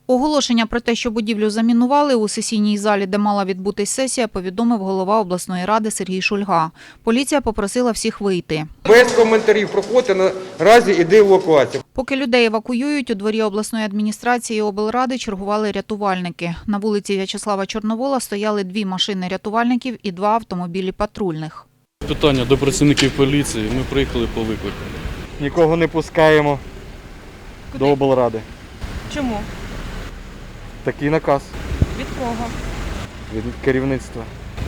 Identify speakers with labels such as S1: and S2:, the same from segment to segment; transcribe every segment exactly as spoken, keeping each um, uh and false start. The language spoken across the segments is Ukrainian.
S1: Оголошення про те, що будівлю замінували у сесійній залі, де мала відбутись сесія, повідомив голова обласної ради Сергій Шульга. Поліція попросила всіх вийти.
S2: Без коментарів, проходьте, наразі іде евакуація.
S1: Поки людей евакуюють, у дворі обласної адміністрації облради чергували рятувальники. На вулиці В'ячеслава Чорновола стояли дві машини рятувальників і два автомобілі патрульних.
S3: Питання до працівників поліції. Ми приїхали по виклику.
S4: Нікого не пускаємо
S5: Куди?
S4: до облради.
S5: Чому?
S4: Такий наказ
S5: Від кого?
S4: від керівництва.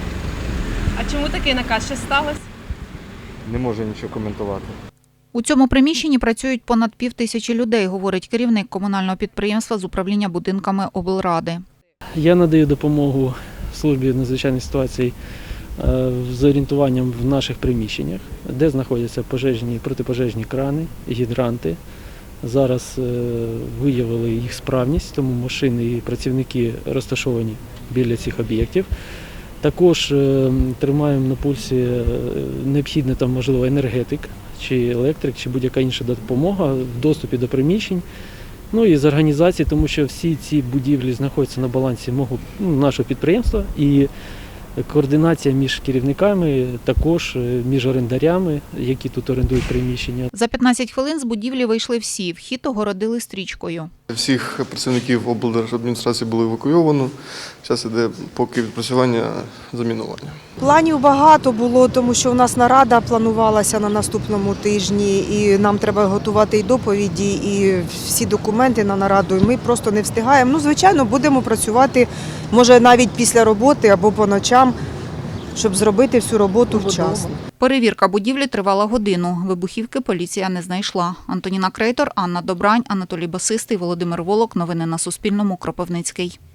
S5: А чому такий наказ? Що сталося?
S4: Не можу нічого коментувати.
S1: У цьому приміщенні працюють понад пів тисячі людей, говорить керівник комунального підприємства з управління будинками облради.
S6: Я надаю допомогу службі надзвичайних ситуацій з орієнтуванням в наших приміщеннях, де знаходяться пожежні, протипожежні крани, гідранти. Зараз виявили їх справність, тому машини і працівники розташовані біля цих об'єктів. Також тримаємо на пульсі необхідний там, можливо, енергетик, чи електрик, чи будь-яка інша допомога в доступі до приміщень. Ну і з організації, тому що всі ці будівлі знаходяться на балансі мого, ну, нашого підприємства, і координація між керівниками, також між орендарями, які тут орендують приміщення.
S1: За п'ятнадцять хвилин з будівлі вийшли всі, вхід огородили стрічкою.
S7: Всіх працівників облдержадміністрації було евакуйовано. Зараз іде поки відпрацювання замінування.
S8: Планів багато було, тому що у нас нарада планувалася на наступному тижні, і нам треба готувати і доповіді, і всі документи на нараду, і ми просто не встигаємо. Ну, звичайно, будемо працювати, може, навіть після роботи або по ночам, щоб зробити всю роботу вчасно.
S1: Перевірка будівлі тривала годину. Вибухівки поліція не знайшла. Антоніна Крейтор, Анна Добрань, Анатолій Басистий, Володимир Волок. Новини на Суспільному. Кропивницький.